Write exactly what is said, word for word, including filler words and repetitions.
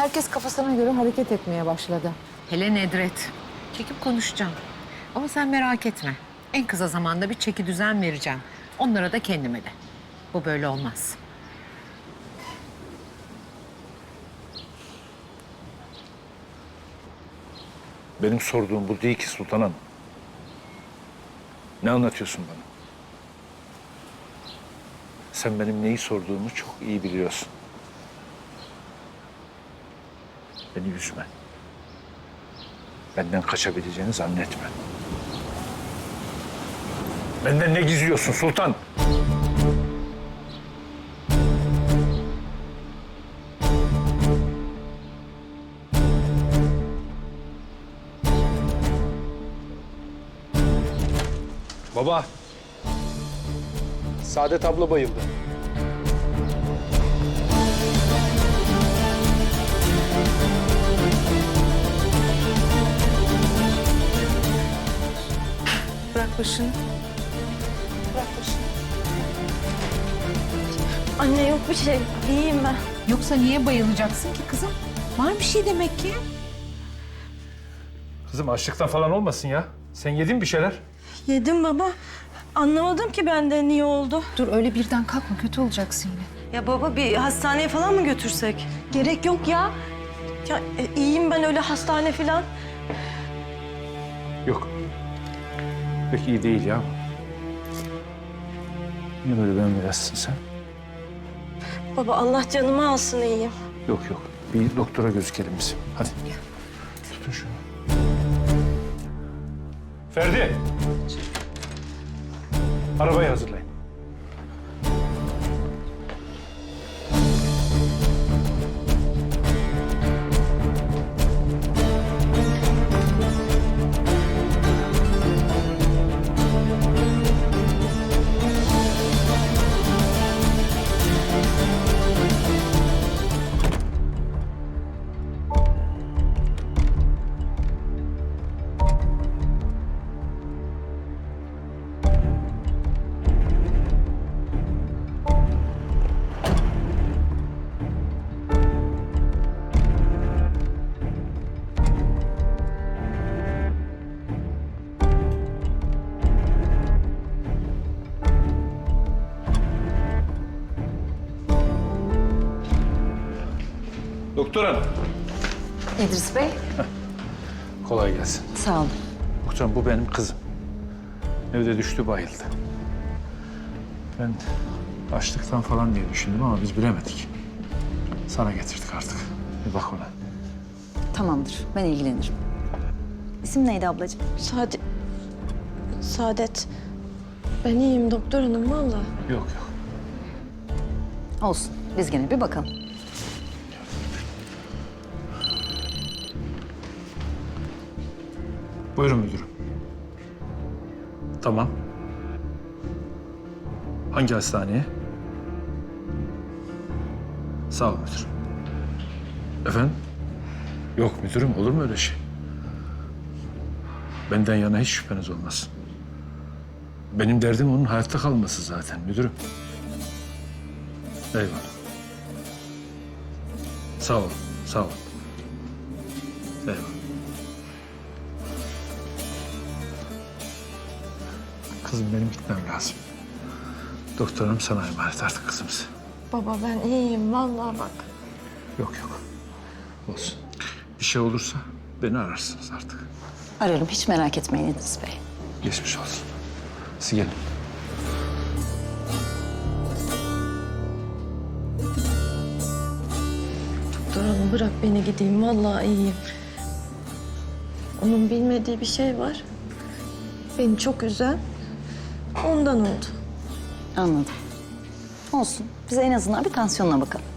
Herkes kafasına göre hareket etmeye başladı. Hele Nedret. Çekip konuşacağım. Ama sen merak etme. En kısa zamanda bir çeki düzen vereceğim. Onlara da kendime de. Bu böyle olmaz. Benim sorduğum bu değil ki Sultan Hanım. Ne anlatıyorsun bana? Sen benim neyi sorduğumu çok iyi biliyorsun. Beni üzme. Benden kaçabileceğini zannetme. Benden ne gizliyorsun Sultan? Baba. Saadet abla bayıldı. Bırak başını. Bırak başını. Anne yok bir şey. İyiyim ben. Yoksa niye bayılacaksın ki kızım? Var bir şey demek ki. Kızım açlıktan falan olmasın ya. Sen yedin bir şeyler. Yedim baba. Anlamadım ki bende niye oldu. Dur öyle birden kalkma, kötü olacaksın yine. Ya baba bir hastaneye falan mı götürsek? Gerek yok ya. Ya e, iyiyim ben öyle hastane falan. Yok. Pek iyi değil ya. Niye böyle bembeyazsın sen? Baba Allah canımı alsın iyiyim. Yok yok. Bir doktora gözükelim biz. Hadi. Tutun şunu. Ferdi. Arabayı hazırlayın. Doktor hanım. İdris Bey. Kolay gelsin. Sağ olun. Doktor hanım, bu benim kızım. Evde düştü, bayıldı. Ben açlıktan falan diye düşündüm ama biz bilemedik. Sana getirdik artık. Bir bak ona. Tamamdır, ben ilgilenirim. İsim neydi ablacığım? Saadet. Saadet. Ben iyiyim doktor hanım vallahi. Yok yok. Olsun, biz gene bir bakalım. Buyurun müdürüm. Tamam. Hangi hastaneye? Sağ ol müdürüm. Efendim? Yok müdürüm, olur mu öyle şey? Benden yana hiç şüpheniz olmasın. Benim derdim onun hayatta kalması zaten müdürüm. Eyvallah. Sağ ol, sağ ol. Eyvallah. Kızım benim gitmem lazım. Doktorum sana emanet artık kızımız. Baba ben iyiyim vallahi bak. Yok yok. Olsun. Bir şey olursa beni ararsınız artık. Ararım, hiç merak etmeyin İdris Bey. Geçmiş olsun. Siz gelin. Doktor hanım bırak beni gideyim vallahi iyiyim. Onun bilmediği bir şey var. Beni çok üzen ondan oldu. Anladım. Olsun, biz en azından bir tansiyonuna bakalım.